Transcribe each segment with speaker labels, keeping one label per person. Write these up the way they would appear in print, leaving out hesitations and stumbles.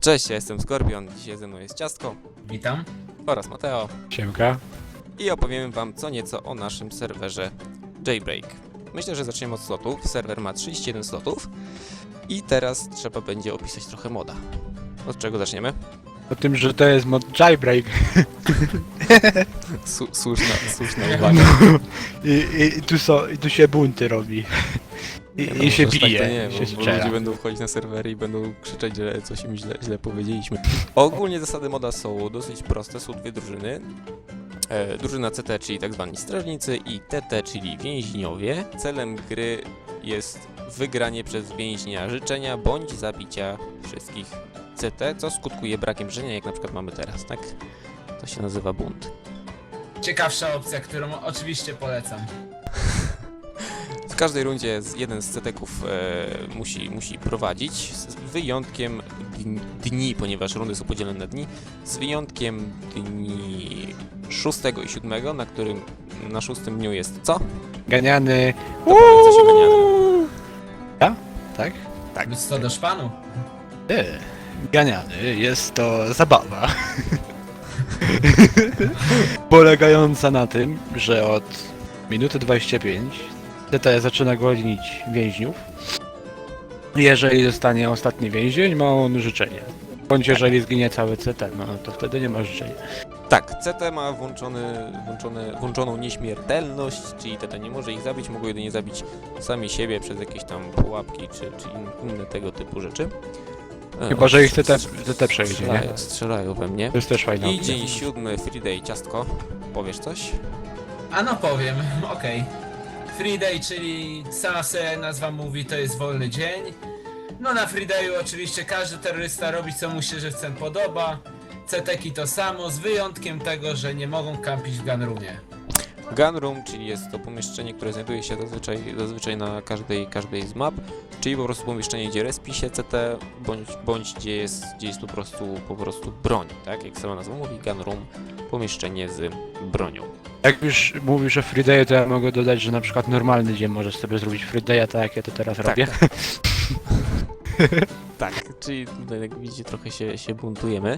Speaker 1: Cześć, ja jestem Skorpion, dzisiaj ze mną jest Ciastko
Speaker 2: Witam.
Speaker 1: oraz Mateo
Speaker 3: Siemka.
Speaker 1: i opowiemy wam co nieco o naszym serwerze Jailbreak. Myślę, że zaczniemy od slotów. Serwer ma 31 slotów i teraz trzeba będzie opisać trochę moda. Od czego zaczniemy?
Speaker 3: O tym, że to jest mod Jailbreak.
Speaker 1: Słuszna uwaga.
Speaker 3: I tu się bunty robi. I się
Speaker 1: może
Speaker 3: bije,
Speaker 1: tak to nie,
Speaker 3: się
Speaker 1: bo
Speaker 3: strzela.
Speaker 1: ludzie będą wchodzić na serwery i będą krzyczeć, że coś im źle powiedzieliśmy. Ogólnie zasady moda są dosyć proste, są dwie drużyny. Drużyna CT, czyli tak zwani strażnicy, i TT, czyli więźniowie. Celem gry jest wygranie przez więźnia życzenia bądź zabicia wszystkich CT, co skutkuje brakiem życzenia, jak na przykład mamy teraz, tak? To się nazywa bunt.
Speaker 2: Ciekawsza opcja, którą oczywiście polecam.
Speaker 1: W każdej rundzie jeden z CT-ków musi prowadzić, z wyjątkiem dni, ponieważ rundy są podzielone na dni, z wyjątkiem dni 6 i 7, na którym na 6 dniu jest co?
Speaker 3: Ganiany.
Speaker 1: To powiedz coś o ganianym.
Speaker 3: Ja? Tak?
Speaker 1: Tak.
Speaker 2: Być to do szpanu.
Speaker 3: Ganiany jest to zabawa. Polegająca na tym, że od minuty 25 TT zaczyna gonić więźniów. Jeżeli zostanie ostatni więzień, ma on życzenie. Bądź jeżeli zginie cały CT, no to wtedy nie ma życzenia.
Speaker 1: Tak, CT ma włączoną nieśmiertelność, czyli TT nie może ich zabić, mogą jedynie zabić sami siebie przez jakieś tam pułapki czy inne tego typu rzeczy.
Speaker 3: Chyba, że ich CT przejdzie, nie?
Speaker 1: Strzelają we mnie.
Speaker 3: To jest też fajna
Speaker 1: I
Speaker 3: opcja.
Speaker 1: dzień 7, Free Day, Ciastko, powiesz coś?
Speaker 2: A no powiem, okej. Free Day, czyli sama sobie nazwa mówi, to jest wolny dzień. No na Free Dayu oczywiście każdy terrorysta robi co mu się żywcem podoba. CT-ki to samo, z wyjątkiem tego, że nie mogą kampić w gunroomie.
Speaker 1: Gun Room, czyli jest to pomieszczenie, które znajduje się zazwyczaj na każdej z map, czyli po prostu pomieszczenie, gdzie respi się CT, bądź gdzie jest po prostu broń, tak? Jak sama nazwa mówi, Gun Room, pomieszczenie z bronią.
Speaker 3: Jak już mówisz o Free Day, to ja mogę dodać, że na przykład normalny dzień możesz sobie zrobić Free Day'a, tak jak ja to teraz robię.
Speaker 1: Tak, czyli tutaj jak widzicie trochę się buntujemy.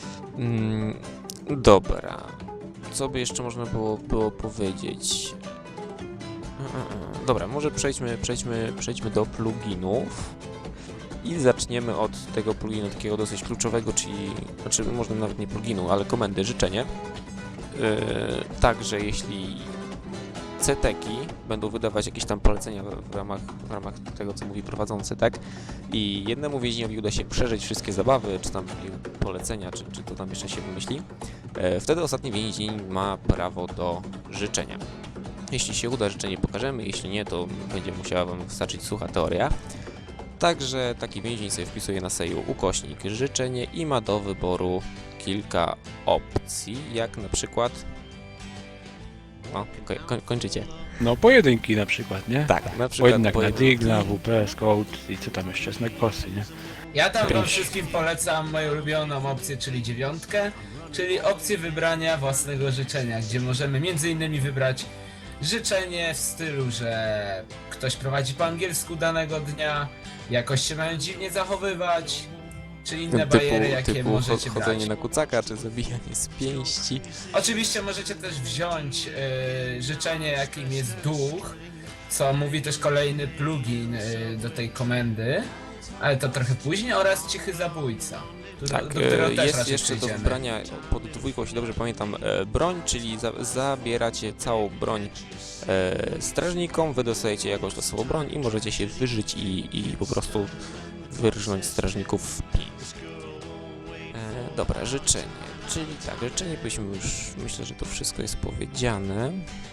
Speaker 1: Dobra, co by jeszcze można było powiedzieć? Dobra, może przejdźmy do pluginów i zaczniemy od tego pluginu takiego dosyć kluczowego, czyli, znaczy może nawet nie pluginu, ale komendy życzenie. Także jeśli CT-ki będą wydawać jakieś tam polecenia w ramach tego, co mówi prowadzący, tak? I jednemu więźniowi uda się przeżyć wszystkie zabawy, czy tam polecenia, czy to tam jeszcze się wymyśli, wtedy ostatni więzień ma prawo do życzenia. Jeśli się uda, życzenie pokażemy, jeśli nie, to będzie musiała wam wystarczyć sucha teoria. Także taki więzień sobie wpisuje na seju ukośnik życzenie i ma do wyboru kilka opcji, jak na przykład... No, kończycie.
Speaker 3: No pojedynki na przykład, nie?
Speaker 1: Tak, na przykład
Speaker 3: Pojedynek na Digla, WP, Scout i co tam jeszcze, Snackosy, nie?
Speaker 2: Ja tam wam
Speaker 3: Pięć.
Speaker 2: wszystkim polecam moją ulubioną opcję, czyli 9, czyli opcję wybrania własnego życzenia, gdzie możemy m.in. wybrać życzenie w stylu, że ktoś prowadzi po angielsku danego dnia, jakoś się mają dziwnie zachowywać, czy inne bariery, jakie możecie
Speaker 1: chodzenie
Speaker 2: brać.
Speaker 1: na kucaka, czy zabijanie z pięści.
Speaker 2: Oczywiście możecie też wziąć życzenie, jakim jest duch, co mówi też kolejny plugin do tej komendy, ale to trochę później, oraz cichy zabójca.
Speaker 1: Tak,
Speaker 2: do którego też
Speaker 1: jest
Speaker 2: raczej
Speaker 1: jeszcze do
Speaker 2: przejdziemy.
Speaker 1: wybrania pod dwójką, jeśli dobrze pamiętam, broń, czyli zabieracie całą broń strażnikom, wy dostajecie jakąś losową broń i możecie się wyżyć i po prostu wyrżnąć strażników w pin. Dobra, życzenie, czyli tak, życzenie byśmy już, myślę, że to wszystko jest powiedziane.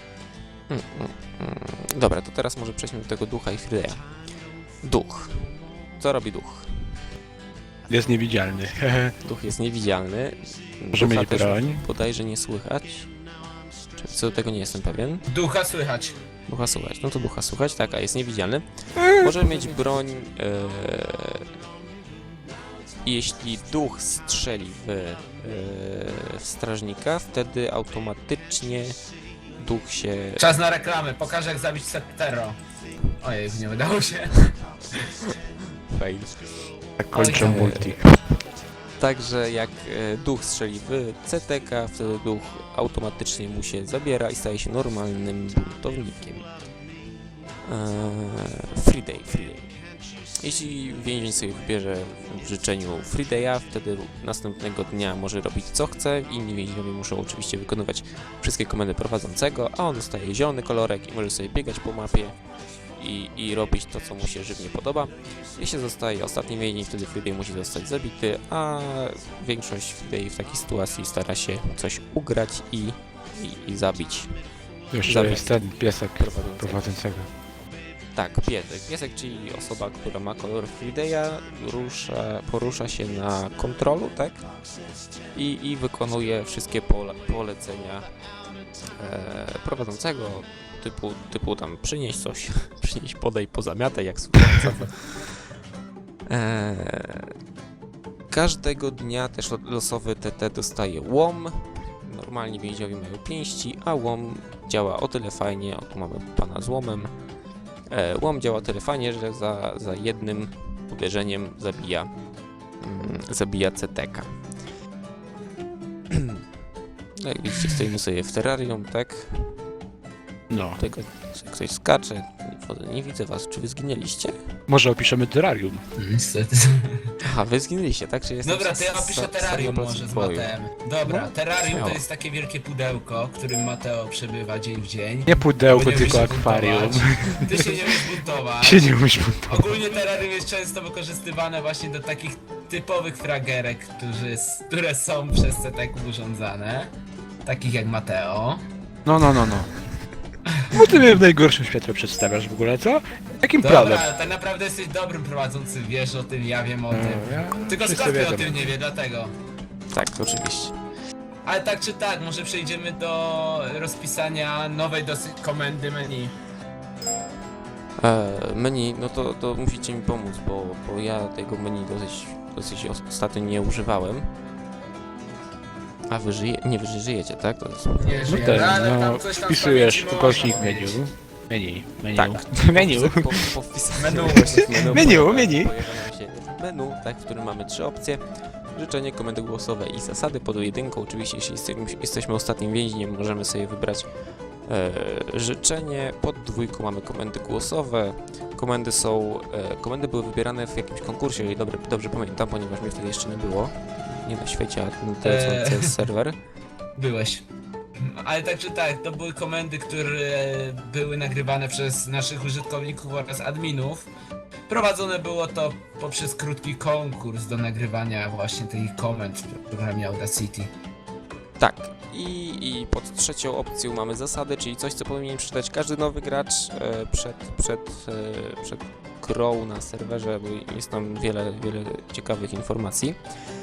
Speaker 1: Dobra, to teraz może przejdźmy do tego ducha i Frideja. Duch. Co robi duch?
Speaker 3: Jest niewidzialny.
Speaker 1: Duch jest niewidzialny.
Speaker 3: Może
Speaker 1: Ducha
Speaker 3: mieć
Speaker 1: też
Speaker 3: broń.
Speaker 1: bodajże nie słychać. Czy co do tego nie jestem pewien.
Speaker 2: Ducha słychać.
Speaker 1: Ducha słuchać. No to ducha słuchać, tak, a jest niewidzialny. Może mieć broń. Jeśli duch strzeli w strażnika, wtedy automatycznie duch się...
Speaker 2: Czas na reklamę, pokażę jak zabić Septero. Ojej, nie udało się.
Speaker 1: Fail.
Speaker 3: Tak kończę
Speaker 2: Oj,
Speaker 3: multi.
Speaker 1: Także jak duch strzeli w CTK, wtedy duch automatycznie mu się zabiera i staje się normalnym buntownikiem. Free day. Jeśli więzień sobie wybierze w życzeniu Free Day'a, wtedy następnego dnia może robić co chce. Inni więźniowie muszą oczywiście wykonywać wszystkie komendy prowadzącego, a on dostaje zielony kolorek i może sobie biegać po mapie i robić to, co mu się żywnie podoba. Jeśli zostaje ostatni więzień, wtedy Free Day musi zostać zabity, a większość Free Day w takiej sytuacji stara się coś ugrać i zabić.
Speaker 3: Jeszcze
Speaker 1: Zabieg.
Speaker 3: jest ten piesek
Speaker 1: Prowadzącego.
Speaker 3: prowadzącego.
Speaker 1: Tak, piesek. Piesek, czyli osoba, która ma kolor Free Day'a, porusza się na kontrolu, tak? I wykonuje wszystkie polecenia prowadzącego, typu tam przynieś coś, przynieś, podaj, pozamiataj, jak słuchająca. Każdego dnia też losowy TT dostaje łom. Normalnie więźniowie mają pięści, a łom działa o tyle fajnie, tu mamy pana z łomem. Łom działa tyle fajnie, że za jednym uderzeniem zabija CTK. Jak widzicie, stoimy sobie w terrarium, tak?
Speaker 3: No.
Speaker 1: Tutaj ktoś skacze. Nie widzę was. Czy wy zginęliście?
Speaker 3: Może opiszemy terrarium.
Speaker 2: Niestety.
Speaker 1: Aha, wy zginęliście, tak? Czy jestem
Speaker 2: Dobra, to ja opiszę terrarium może z Mateem. Dobra,
Speaker 1: No,
Speaker 2: terrarium
Speaker 1: śmiało.
Speaker 2: to jest takie wielkie pudełko, w którym Mateo przebywa dzień w dzień.
Speaker 3: Nie pudełko,
Speaker 2: Bo nie
Speaker 3: tylko
Speaker 2: umiesz się
Speaker 3: akwarium.
Speaker 2: buntować. Ty się nie umiesz buntować.
Speaker 3: Się nie umiesz buntować.
Speaker 2: Ogólnie terrarium jest często wykorzystywane właśnie do takich typowych fragerek, które są przez CTK urządzane. Takich jak Mateo.
Speaker 3: No. Bo ty mnie w najgorszym świetle przedstawiasz w ogóle, co? Jakim prawem?
Speaker 2: Dobra, tak naprawdę jesteś dobrym prowadzącym, wiesz o tym, ja wiem o tym. Tylko
Speaker 3: wszyscy
Speaker 2: Skorpion o
Speaker 3: wiedzą.
Speaker 2: tym nie wie, dlatego.
Speaker 1: Tak, oczywiście.
Speaker 2: Ale tak czy tak, może przejdziemy do rozpisania nowej dosyć komendy menu.
Speaker 1: Menu, no to musicie mi pomóc, bo ja tego menu dosyć ostatnio nie używałem. A wy nie żyjecie, tak? To jest...
Speaker 2: Nie
Speaker 3: No
Speaker 2: żyjemy,
Speaker 3: ten,
Speaker 2: ale
Speaker 3: no,
Speaker 2: tam coś tam
Speaker 3: wpisujesz
Speaker 2: z pamięci
Speaker 3: ukośnik
Speaker 2: można
Speaker 3: menu.
Speaker 2: powiedzieć.
Speaker 3: Menu.
Speaker 1: Tak.
Speaker 3: Menu.
Speaker 1: Po wpisaniu
Speaker 2: Menu.
Speaker 3: Menu.
Speaker 1: pojawia nam się menu, tak, w którym mamy 3 opcje. Życzenie, komendy głosowe i zasady. Pod jedynką oczywiście, jeśli jesteśmy ostatnim więźniem, możemy sobie wybrać życzenie. Pod 2 mamy komendy głosowe. Komendy były wybierane w jakimś konkursie, jeżeli dobrze pamiętam, ponieważ mnie wtedy jeszcze nie było. Nie na świecie, a na telefonce jest serwer.
Speaker 2: Byłeś. Ale tak czy tak, to były komendy, które były nagrywane przez naszych użytkowników oraz adminów. Prowadzone było to poprzez krótki konkurs do nagrywania właśnie tych komend w programie Audacity.
Speaker 1: Tak. I pod 3 opcją mamy zasady, czyli coś, co powinien przeczytać każdy nowy gracz przed grą na serwerze, bo jest tam wiele ciekawych informacji.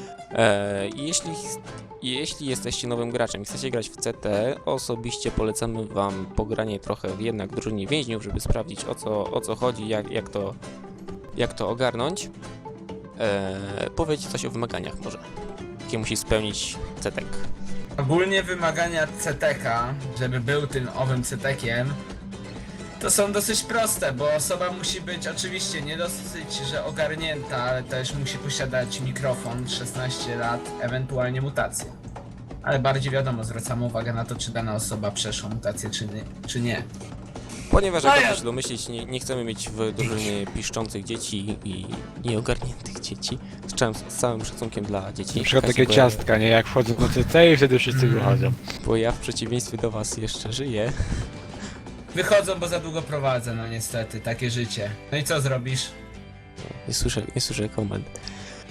Speaker 1: Jeśli jesteście nowym graczem i chcecie grać w CT, osobiście polecamy wam pogranie trochę w jednak drużynie więźniów, żeby sprawdzić o co chodzi, jak to ogarnąć. Powiedzcie coś o wymaganiach może, jakie musi spełnić CTK.
Speaker 2: Ogólnie wymagania CTK, żeby był tym owym CTkiem, to są dosyć proste, bo osoba musi być oczywiście nie dosyć, że ogarnięta, ale też musi posiadać mikrofon, 16 lat, ewentualnie mutację. Ale bardziej wiadomo, zwracamy uwagę na to, czy dana osoba przeszła mutację, czy nie.
Speaker 1: Ponieważ
Speaker 2: No
Speaker 1: jak
Speaker 2: ja-
Speaker 1: można się domyślić, nie chcemy mieć w drużynie piszczących dzieci i nieogarniętych dzieci. Z całym szacunkiem dla dzieci.
Speaker 3: Na przykład
Speaker 1: Każdy
Speaker 3: takie ciastka, nie? Jak wchodzą na CT i wtedy wszyscy wychodzą.
Speaker 1: Bo ja w przeciwieństwie do was jeszcze żyję.
Speaker 2: Wychodzą, bo za długo prowadzę, no niestety, takie życie. No i co zrobisz?
Speaker 1: Nie słyszę komend.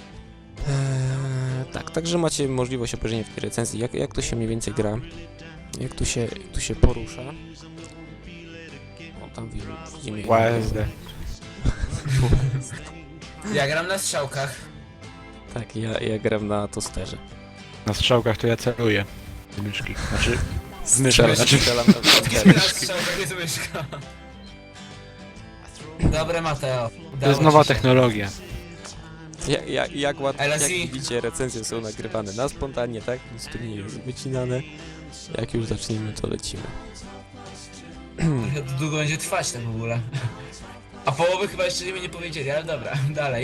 Speaker 1: Tak, także macie możliwość obejrzenia w tej recenzji, jak to się mniej więcej gra, jak tu się porusza. O, tam widzimy.
Speaker 3: USD.
Speaker 2: Ja gram na strzałkach.
Speaker 1: Tak, ja gram na tosterze.
Speaker 3: Na strzałkach to ja celuję. Z myszki. Znaczy, z myszki.
Speaker 1: Strzelam-
Speaker 3: Znaczy,
Speaker 1: strzelam na tosterze.
Speaker 2: Na strzałkach jest myszka. Dobre, Mateo.
Speaker 3: to jest nowa technologia.
Speaker 1: Jak
Speaker 2: LSI.
Speaker 1: widzicie, recenzje są nagrywane na spontanie, tak? Nic tu nie jest wycinane. Jak już zaczniemy, to lecimy.
Speaker 2: Trochę to długo będzie trwać to w ogóle. A połowy chyba jeszcze nie powiedzieli, ale dobra, dalej.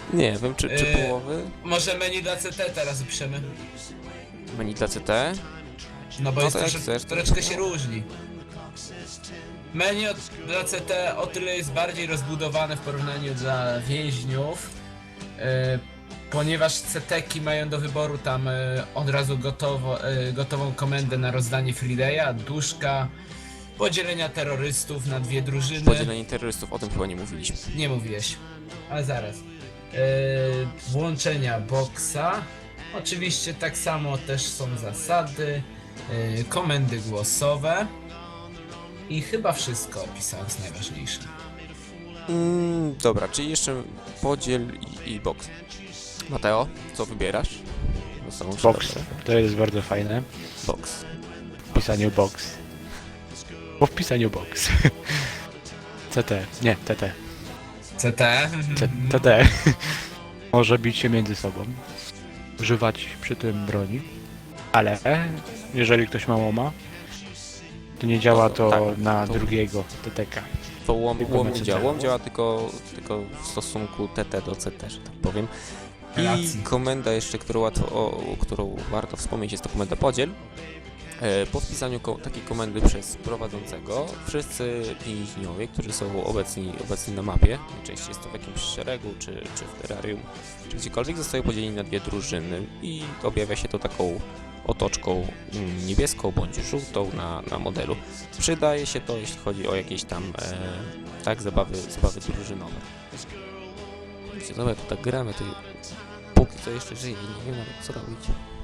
Speaker 1: Nie wiem, czy połowy?
Speaker 2: Może menu dla CT teraz upiszemy.
Speaker 1: Menu dla CT?
Speaker 2: No bo
Speaker 1: No
Speaker 2: jest
Speaker 1: to jak
Speaker 2: troszeczkę,
Speaker 1: chcesz, to-
Speaker 2: troszeczkę się różni. Menu dla CT o tyle jest bardziej rozbudowane w porównaniu dla więźniów, ponieważ CT-ki mają do wyboru tam od razu gotową komendę na rozdanie freedaya, duszka, podzielenia terrorystów na dwie drużyny.
Speaker 1: Podzielenie terrorystów, o tym chyba nie mówiliśmy.
Speaker 2: Nie mówiłeś, ale zaraz. Włączenia boksa. Oczywiście tak samo też są zasady. Komendy głosowe. I chyba wszystko opisałem z najważniejsze.
Speaker 1: Dobra, czyli jeszcze podziel i box. Mateo, co wybierasz? Zostaną trzy
Speaker 3: Box.
Speaker 1: dobre.
Speaker 3: To jest bardzo fajne.
Speaker 1: Box.
Speaker 3: W pisaniu box. Bo w pisaniu box. CT. Nie, TT.
Speaker 2: CT.
Speaker 3: TT. Może bić się między sobą. Używać przy tym broni. Ale jeżeli ktoś ma łoma, to nie działa to
Speaker 1: tak,
Speaker 3: na
Speaker 1: to-
Speaker 3: drugiego TTK.
Speaker 1: To łom
Speaker 3: Tylko na
Speaker 1: nie
Speaker 3: CT.
Speaker 1: działa. Łom działa tylko w stosunku TT do CT, że tak powiem. I
Speaker 2: Racji.
Speaker 1: komenda jeszcze, którą warto wspomnieć, jest to komenda podziel. Po wpisaniu takiej komendy przez prowadzącego wszyscy więźniowie, którzy są obecni na mapie, najczęściej jest to w jakimś szeregu, czy w terrarium, czy gdziekolwiek, zostają podzieleni na dwie drużyny i objawia się to taką otoczką niebieską bądź żółtą na modelu. Przydaje się to, jeśli chodzi o jakieś tam zabawy drużynowe. Wiecie, dobra, tu tak gramy, to póki co jeszcze żyje, nie wiem nawet co robić.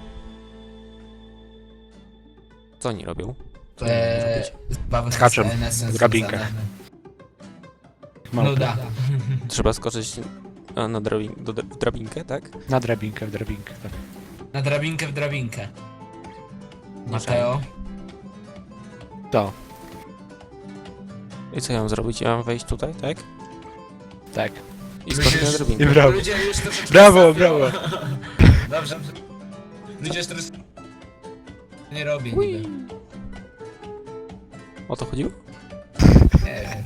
Speaker 1: Co oni robią? Co oni mogą robić?
Speaker 2: Bawy z
Speaker 3: Skaczą
Speaker 2: DNS-em
Speaker 3: w drabinkę.
Speaker 2: związane.
Speaker 3: Małpy.
Speaker 2: Nuda.
Speaker 1: Trzeba skoczyć w drabinkę, tak?
Speaker 3: Na drabinkę, w drabinkę. Tak.
Speaker 2: Na drabinkę w drabinkę. Mateo.
Speaker 3: To,
Speaker 1: I co ja mam zrobić? Ja mam wejść tutaj, tak?
Speaker 3: tak.
Speaker 1: I skoczyć na
Speaker 3: I
Speaker 1: drabinkę.
Speaker 3: brawo.
Speaker 2: Ludzie już troszeczkę
Speaker 3: Brawo,
Speaker 2: sapią.
Speaker 3: brawo.
Speaker 2: Dobrze. Ludzie już troszeczkę nie robię
Speaker 1: Ui.
Speaker 2: niby.
Speaker 1: O to chodziło?
Speaker 2: Nie wiem.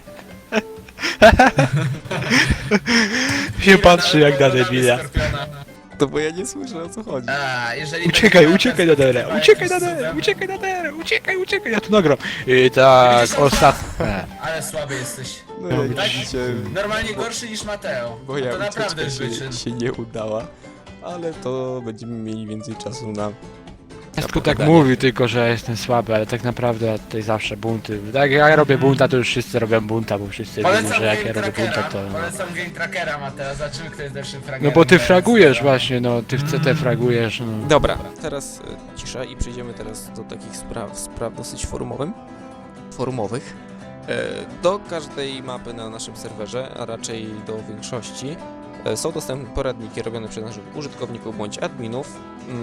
Speaker 3: Się patrzy jak na
Speaker 2: Dodamy
Speaker 3: debila.
Speaker 2: Skorpiona.
Speaker 1: To bo ja nie słyszę, o co chodzi.
Speaker 2: A, jeżeli
Speaker 3: Uciekaj,
Speaker 2: będzie
Speaker 3: uciekaj na derę,
Speaker 2: chyba
Speaker 3: uciekaj na
Speaker 2: jakimś
Speaker 3: derę,
Speaker 2: cudem-
Speaker 3: uciekaj na derę, uciekaj, ja tu nagram. I tak, ostatnie.
Speaker 2: Ale słaby jesteś.
Speaker 1: No
Speaker 3: No,
Speaker 1: jak
Speaker 2: tak?
Speaker 1: widzicie,
Speaker 2: Normalnie gorszy niż Mateo.
Speaker 1: bo ja
Speaker 2: To naprawdę jest
Speaker 1: ucieczka
Speaker 2: wyczyn.
Speaker 1: się nie udała. Ale to będziemy mieli więcej czasu na...
Speaker 3: Wszystko tak
Speaker 1: pogadanie.
Speaker 3: mówi tylko, że jestem słaby, ale tak naprawdę tutaj zawsze bunty. Tak jak ja robię bunta, to już wszyscy robią bunta, bo wszyscy wiedzą,
Speaker 2: Polecam
Speaker 3: że jak
Speaker 2: game
Speaker 3: ja robię bunta,
Speaker 2: trackera.
Speaker 3: to...
Speaker 2: Polecam game trackera, Mateo. Zobaczymy, kto jest lepszym
Speaker 3: No
Speaker 2: fragerem.
Speaker 3: bo ty
Speaker 2: Bez-
Speaker 3: fragujesz właśnie, no, ty w CT fragujesz, no.
Speaker 1: Dobra, teraz cisza i przejdziemy teraz do takich spraw dosyć forumowych. Do każdej mapy na naszym serwerze, a raczej do większości, są dostępne poradniki robione przez naszych użytkowników bądź adminów.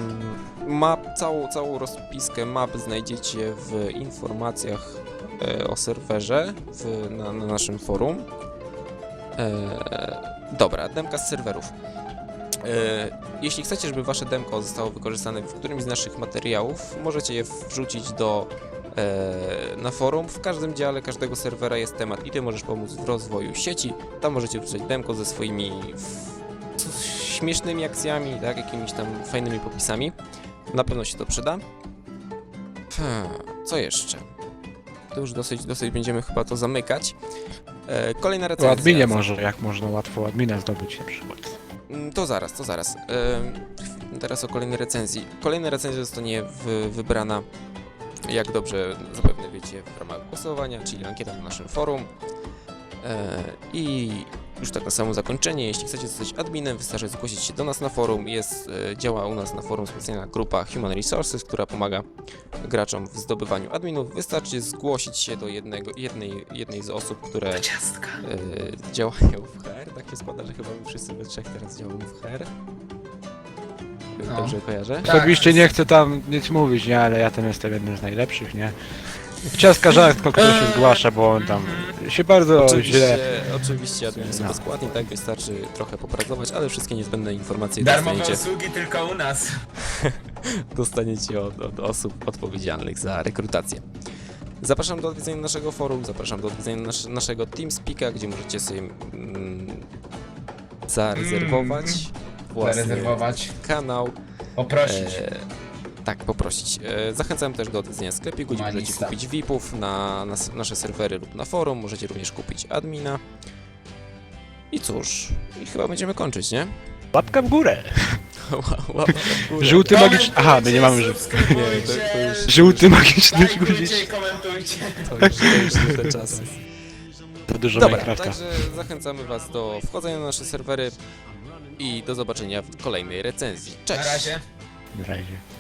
Speaker 1: Całą rozpiskę map znajdziecie w informacjach o serwerze na naszym forum. Dobra, demka z serwerów. Jeśli chcecie, żeby wasze demko zostało wykorzystane w którymś z naszych materiałów, możecie je wrzucić na forum. W każdym dziale każdego serwera jest temat i ty możesz pomóc w rozwoju sieci. Tam możecie wrzucać demko ze swoimi śmiesznymi akcjami, tak, jakimiś tam fajnymi popisami. Na pewno się to przyda. Co jeszcze? To już dosyć będziemy chyba to zamykać. Kolejna
Speaker 3: O
Speaker 1: recenzja.
Speaker 3: adminie może, jak można łatwo admina zdobyć na przykład.
Speaker 1: To zaraz. Teraz o kolejnej recenzji. Kolejna recenzja zostanie wybrana, jak dobrze zapewne wiecie, w ramach głosowania, czyli ankieta na naszym forum. I już tak na samo zakończenie, jeśli chcecie zostać adminem, wystarczy zgłosić się do nas na forum. Działa u nas na forum specjalna grupa Human Resources, która pomaga graczom w zdobywaniu adminów. Wystarczy zgłosić się do jednej z osób, które
Speaker 2: Do ciastka.
Speaker 1: działają w HR. Tak się składa, że chyba my wszyscy we trzech teraz działamy w HR.
Speaker 2: No.
Speaker 1: Dobrze kojarzę?
Speaker 2: Tak.
Speaker 3: Osobiście nie chcę tam nic mówić, nie, ale ja tam jestem jednym z najlepszych, nie. Ciaska rzadko kto się zgłasza, bo on tam się bardzo źle...
Speaker 1: Oczywiście admin są
Speaker 3: No.
Speaker 1: bezpłatni, tak? Wystarczy trochę popracować, ale wszystkie niezbędne informacje
Speaker 2: Darmowe
Speaker 1: dostaniecie,
Speaker 2: usługi tylko u nas.
Speaker 1: dostaniecie od osób odpowiedzialnych za rekrutację. Zapraszam do odwiedzenia naszego forum, zapraszam do odwiedzenia naszego TeamSpeaka, gdzie możecie sobie zarezerwować własny
Speaker 2: Zarezerwować,
Speaker 1: kanał.
Speaker 2: poprosić.
Speaker 1: Tak, poprosić. Zachęcam też do odwiedzenia sklepiku, gdzie możecie
Speaker 2: Humanista.
Speaker 1: kupić VIP-ów na nasze serwery lub na forum. Możecie również kupić admina. I cóż, i chyba będziemy kończyć, nie?
Speaker 3: Łapka w górę.
Speaker 1: Łapa w górę.
Speaker 3: Żółty magiczny... Aha, my nie mamy żółty.
Speaker 2: Subskrybujcie,
Speaker 1: Nie, to już-
Speaker 3: Żółty magiczny
Speaker 2: lajkujcie
Speaker 3: guzik.
Speaker 2: i komentujcie.
Speaker 1: To już nie te czasy.
Speaker 3: To dużo
Speaker 1: Dobra,
Speaker 3: Minecrafta.
Speaker 1: także zachęcamy Was do wchodzenia na nasze serwery i do zobaczenia w kolejnej recenzji. Cześć!
Speaker 2: Na razie.
Speaker 3: Na razie.